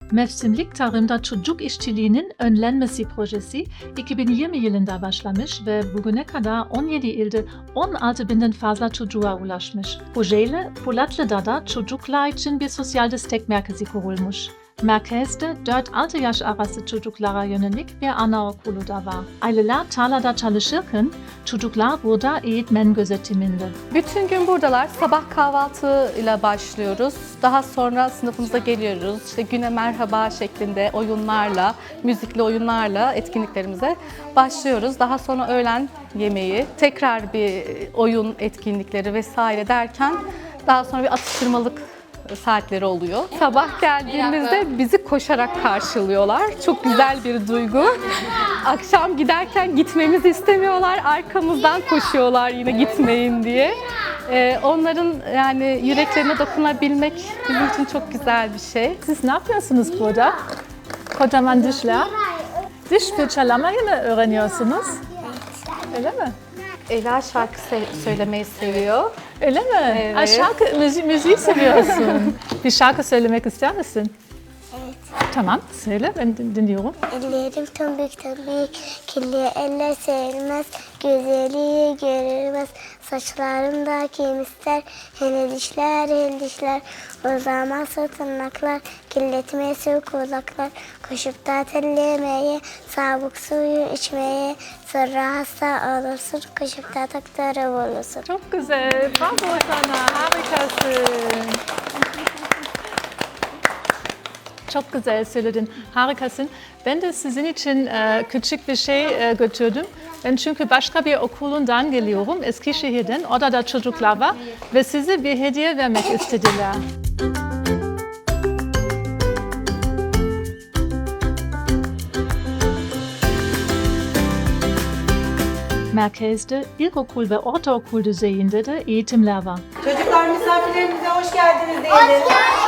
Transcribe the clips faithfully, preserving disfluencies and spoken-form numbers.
Mevsimlik tarımda çocuk işçiliğinin önlenmesi projesi iki bin yirmi yılında başlamış ve bugüne kadar on yedi ilde on altı binden fazla çocuğa ulaşmış. Projeyle Polatlı'da çocuklar için bir sosyal destek merkezi kurulmuş. Merkezde dört altı yaş arası çocuklara yönelik bir anaokulu da var. Aileler tarlada çalışırken çocuklar burada eğitmen gözetiminde. Bütün gün buradalar. Sabah kahvaltıyla başlıyoruz. Daha sonra sınıfımıza geliyoruz. İşte güne merhaba şeklinde oyunlarla, müzikli oyunlarla etkinliklerimize başlıyoruz. Daha sonra öğlen yemeği, tekrar bir oyun etkinlikleri vesaire derken daha sonra bir atıştırmalık saatleri oluyor. Sabah geldiğimizde bizi koşarak karşılıyorlar. Çok güzel bir duygu. Akşam giderken gitmemizi istemiyorlar. Arkamızdan koşuyorlar yine gitmeyin diye. Ee, onların yani yüreklerine dokunabilmek bizim için çok güzel bir şey. Siz ne yapıyorsunuz burada? Kocaman dişler. Diş fırçalamayı mı öğreniyorsunuz? Öyle mi? Ela şarkı se- söylemeyi seviyor. Öyle mi? Evet. Aa, şarkı, müzi müziği seviyorsun. Bir şarkı söylemek ister misin? Evet. Tamam, söyle, ben din- dinliyorum. Ellerim tombik tombik, kirli eller serilmez, güzeli görülmez. Saçlarımda kim ister, hele dişler, hele dişler. Uzamazsa tırnaklar, kirletmesi kulaklar. Koşup da tellemeye, sabuk suyu içmeye. Sonra hasta olursun, koşup da doktora bulursun. Çok güzel, bravo sana, harikasın. Çok güzel söyledin, harikasın. Ben de sizin için e, küçük bir şey e, götürdüm. Ben çünkü başka bir okulundan geliyorum, Eskişehir'den. Orada da çocuklar var ve size bir hediye vermek istediler. Merkezde ilkokul ve ortaokul düzeyinde de eğitimler var. Çocuklar misafirlerimize hoş geldiniz diyelim.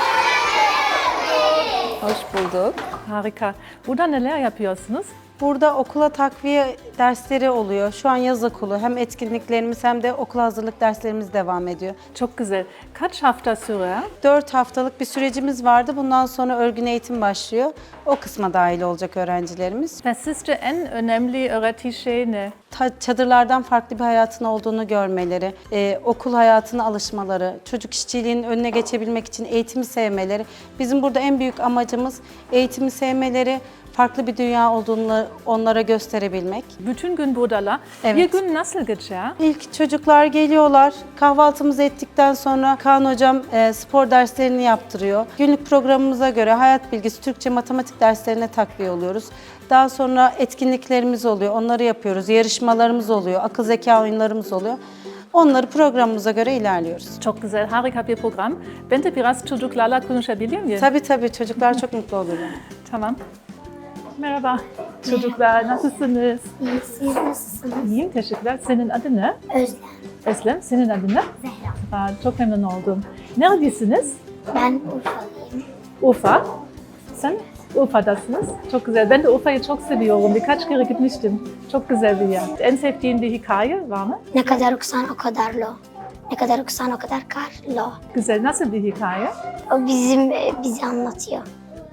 Hoş bulduk. Harika. Burada neler yapıyorsunuz? Burada okula takviye dersleri oluyor. Şu an yaz okulu. Hem etkinliklerimiz hem de okula hazırlık derslerimiz devam ediyor. Çok güzel. Kaç hafta sürer? Dört haftalık bir sürecimiz vardı. Bundan sonra örgün eğitim başlıyor. O kısma dahil olacak öğrencilerimiz. Ve sizce en önemli öğretici şey ne? Ta- Çadırlardan farklı bir hayatın olduğunu görmeleri, e, okul hayatına alışmaları, çocuk işçiliğinin önüne geçebilmek için eğitimi sevmeleri. Bizim burada en büyük amacımız eğitimi sevmeleri, farklı bir dünya olduğunu onlara gösterebilmek. Bütün gün buradalar. Evet. Bir gün nasıl geçer? İlk çocuklar geliyorlar, kahvaltımızı ettikten sonra Kaan Hocam e, spor derslerini yaptırıyor. Günlük programımıza göre hayat bilgisi, Türkçe, matematik derslerine takviye oluyoruz. Daha sonra etkinliklerimiz oluyor, onları yapıyoruz. Yarışmalarımız oluyor, akıl zeka oyunlarımız oluyor. Onları programımıza göre ilerliyoruz. Çok güzel, harika bir program. Ben de biraz çocuklarla konuşabilir miyim? Tabii tabii çocuklar çok mutlu olurlar. Tamam. Merhaba çocuklar, nasılsınız? Siz nasılsınız? İyiyim, teşekkürler. Senin adın ne? Özlem. Eslem, senin adın ne? Zehra. Aa, çok memnun oldum. Neredesiniz? Ben Urfalıyım. Urfa. Sen Urfa'dasınız. Çok güzel. Ben de Urfa'yı çok seviyorum. Birkaç kere gitmiştim. Çok güzel bir yer. En sevdiğin bir hikaye var mı? Ne kadar okusan o kadar lo. Ne kadar okusan o kadar kar lo. Güzel. Nasıl bir hikaye? O bizim e, bizi anlatıyor.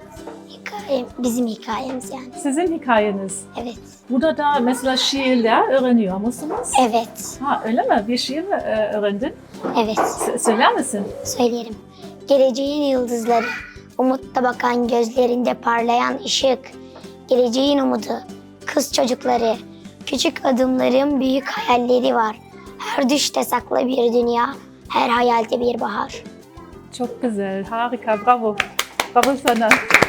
Hikaye, bizim hikayemiz yani. Sizin hikayeniz. Evet. Burada da mesela şiirler öğreniyor musunuz? Evet. Ha, öyle mi? Bir şiir mi e, öğrendin? Evet. S- söyler misin? Söylerim. Geleceğin yıldızları, umutta bakan gözlerinde parlayan ışık. Geleceğin umudu, kız çocukları, küçük adımların büyük hayalleri var. Her düşte saklı bir dünya, her hayalde bir bahar. Çok güzel. Harika. Bravo. Bravo sana.